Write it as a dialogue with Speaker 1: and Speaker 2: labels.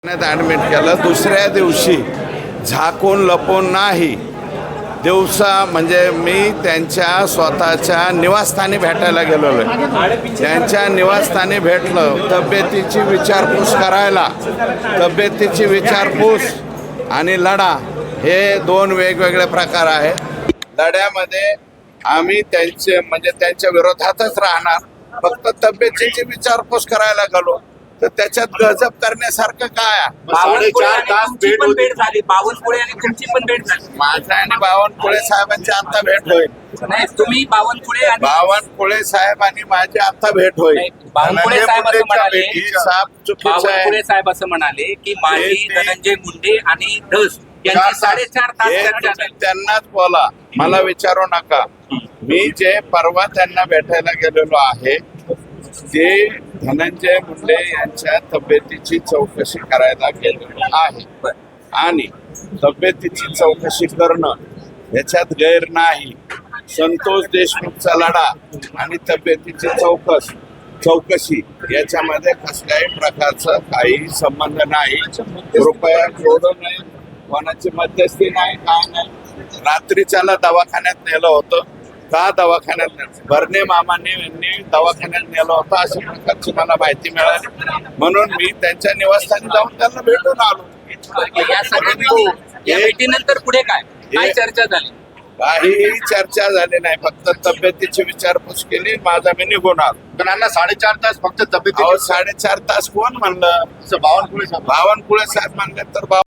Speaker 1: Admit केलं. दुसऱ्या दिवशी झाकून लपून नाही, दिवसा म्हणजे मी त्यांच्या स्वतःच्या निवासस्थानी भेटायला गेलेलो आहे. त्यांच्या निवासस्थानी भेटलं, तब्येतीची विचारपूस करायला. तब्येतीची विचारपूस आणि लढा हे दोन वेगवेगळे प्रकार आहेत. लढ्यामध्ये आम्ही त्यांच्या विरोधातच राहणार. फक्त तब्येतीची विचारपूस करायला गेलो तर त्याच्यात गजब करण्यासारखं काय?
Speaker 2: 4 तास भेट झाली. बावनकुळे आणि तुमची पण भेट झाली.
Speaker 1: माझा आणि बावनकुळे साहेबांची आता भेट होईल.
Speaker 2: नाही, तुम्ही बावनकुळे आणि
Speaker 1: बावनकुळे साहेब आणि माझी आता भेट होईल.
Speaker 2: बावनकुळे साहेब असं म्हणाले,
Speaker 1: चुकीचं
Speaker 2: साहेब असं म्हणाले की माझी धनंजय मुंडे आणि धस यांची 4.5 तास चर्चा झाली.
Speaker 1: त्यांनाच बोला, मला विचारू नका. मी जे परवा त्यांना भेटायला गेलेलो आहे ते धनंजय मुंडे यांच्या तब्येतीची चौकशी करायला गेलेलो आहे. आणि तब्येतीची चौकशी करणं याच्यात गैर नाही. संतोष देशमुखचा लढा आणि तब्येतीची चौकशी याच्यामध्ये कसल्याही प्रकारचा काही संबंध नाही. कृपया जोडू नये. कोणाची मध्यस्थी नाही, काय नाही. रात्रीच्याला दवाखान्यात नेलं होतं. का दवाखान्यात नेलं? भरणे मामाने यांनी दवाखान्यात नेलं होतं अशा प्रकारची मला माहिती मिळाली. म्हणून मी त्यांच्या निवासस्थानी जाऊन त्यांना भेटून आलो.
Speaker 2: या भेटीनंतर पुढे काय चर्चा झाली?
Speaker 1: काहीही चर्चा झाली नाही. फक्त तब्येतीची विचारपूस केली. माझा मी निघून आलो.
Speaker 3: त्यांना 4.5 तास फक्त तब्येत.
Speaker 1: 4.5 तास कोण म्हणलं? बावनकुळे साहेब म्हणले तर